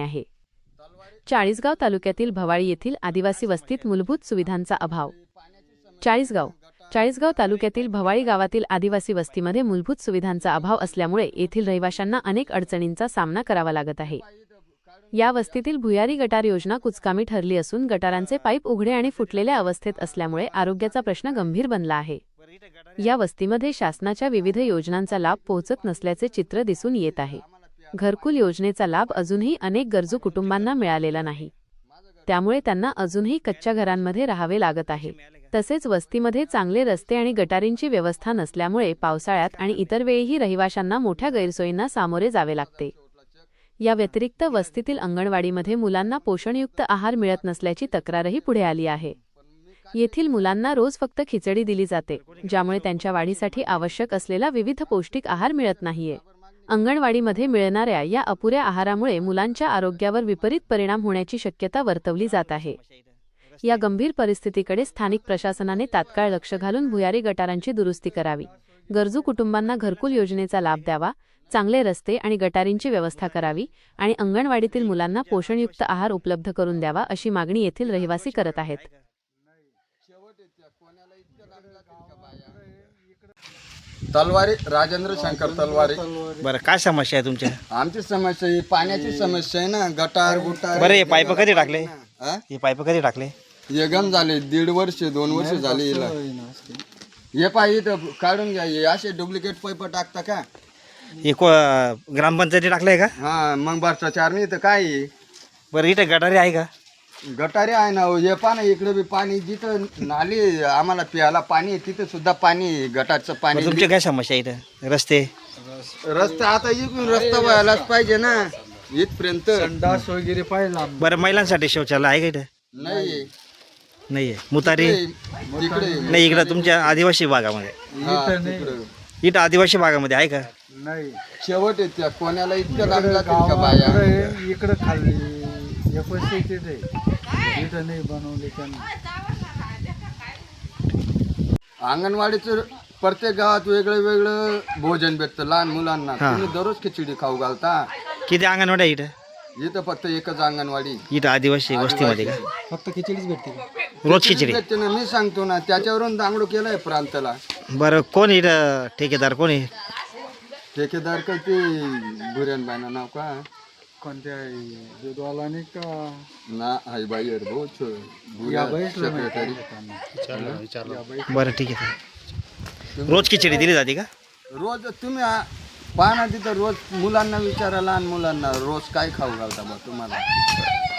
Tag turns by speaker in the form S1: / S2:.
S1: आहे। चाळीसगाव तालुक्यातील भवाळी येथील आदिवासी वस्तीत मूलभूत सुविधांचा अभाव। चाळीसगाव तालुक्यातील भवाळी गावातील आदिवासी वस्तीमध्ये मूलभूत सुविधांचा अभाव असल्यामुळे येथील रहिवाशांना अनेक अडचणींचा सामना करावा लागत आहे। या वस्तीतील भुयारी गटार योजना कुचकामी ठरली असून गटारांचे पाईप उघडे आणि फुटलेल्या अवस्थेत असल्यामुळे आरोग्याचा प्रश्न गंभीर बनला आहे। या वस्तीमध्ये शासनाच्या विविध योजनांचा लाभ पोहोचत नसल्याचे चित्र दिसून येत आहे। घरकुल योजनेचा लाभ अजूनही अनेक गरजू कुटुंबांना मिळालेला नाही, त्यामुळे त्यांना अजूनही कच्च्या घरांमध्ये राहावे लागत आहे। तसेच वस्तीमध्ये चांगले रस्ते आणि गटारींची व्यवस्था नसल्यामुळे पावसाळ्यात आणि इतर वेळीही रहिवाशांना मोठ्या गैरसोयींना सामोरे जावे लागते। या व्यतिरिक्त वस्तीतील अंगणवाडीमध्ये मुलांना पोषणयुक्त आहार मिळत नसल्याची तक्रारही पुढे आली आहे। येथील मुलांना रोज फक्त खिचडी दिली जाते, ज्यामुळे त्यांच्या वाढीसाठी आवश्यक असलेला विविध पौष्टिक आहार मिळत नाहीये। अंगणवाडीमध्ये मिळणाऱ्या या अपुऱ्या आहारामुळे मुलांच्या आरोग्यावर विपरीत परिणाम होण्याची शक्यता वर्तवली जात आहे। या गंभीर परिस्थितीकडे स्थानिक प्रशासनाने तात्काळ लक्ष घालून भुयारी गटारांची दुरुस्ती करावी, गरजू कुटुंबांना घरकुल योजनेचा लाभ द्यावा, चांगले रस्ते आणि गटारींची व्यवस्था करावी आणि अंगणवाडीतील मुलांना पोषणयुक्त आहार उपलब्ध करून द्यावा, अशी मागणी येथील रहिवासी करत आहेत।
S2: तलवारी राजेंद्र शंकर तलवारी।
S3: बरं, काय समस्या आहे तुमच्या?
S2: आमची समस्या ही पाण्याची समस्या आहे ना, गटार गुटार।
S3: बरं, हे पाईप कधी टाकले?
S2: हा?
S3: हे पाईप कधी टाकले?
S2: हे गम झाले 1.5 वर्ष 2 वर्ष झाले हिला। हे पाय इथं काढून घ्या, हे असे डुप्लिकेट पाईप टाकता का?
S3: हे ग्रामपंचायती टाकलंय का?
S2: हा, मग भ्रष्टाचार नाही तर काय आहे?
S3: बरं, इथं गटारी आहे का?
S2: गटारे आहे ना, हे पाणी इकडे बी पाणी, जिथं नाली आम्हाला प्यायला पाणी आहे, तिथं सुद्धा पाणी गटारचं पाणी।
S3: तुमची काय समस्या आहे इथं? रस्ते
S2: आता इकडून रस्ता व्हायलाच पाहिजे ना इथपर्यंत।
S4: संडास वगैरे पाहिजे।
S3: बरं, महिलांसाठी शौचालय आहे का इथं?
S2: नाही
S3: नाही आहे। मुतारी
S2: तिकडे
S3: नाही, इकडं तुमच्या आदिवासी भागामध्ये? इथं आदिवासी भागामध्ये आहे का?
S4: नाही,
S2: शेवट येत्या कोणाला इतकं लागला का बाया?
S4: इकडे खाल्ली इथं नाही बनवले त्यांनी।
S2: अंगणवाडीचं प्रत्येक गावात वेगळं वेगळं भोजन भेटतं लहान मुलांना। तुम्ही दररोज खिचडी खाऊ घालता?
S3: किती अंगणवाडी आहे इथं?
S2: इथं फक्त एकच अंगणवाडी।
S3: इथं आदिवासी वस्तीमध्ये का?
S4: फक्त खिचडीच भेटते।
S3: रोज खिचडी
S2: भेटते ना, मी सांगतो ना, त्याच्यावरून दांगडू केलाय प्रांताला।
S3: बरं, कोण इथं ठेकेदार कोण आहे?
S2: ठेकेदार का ते बुऱ्यान बायना नाव का?
S4: कोणत्या दूधवालाने का?
S2: ना हाय बाई
S3: बरं, ठीक आहे। रोज खिचडी दिली जाते का?
S2: रोज तुम्ही पाहा ना तिथं, रोज मुलांना विचारा, लहान मुलांना रोज काय खाऊ घालता बा तुम्हाला?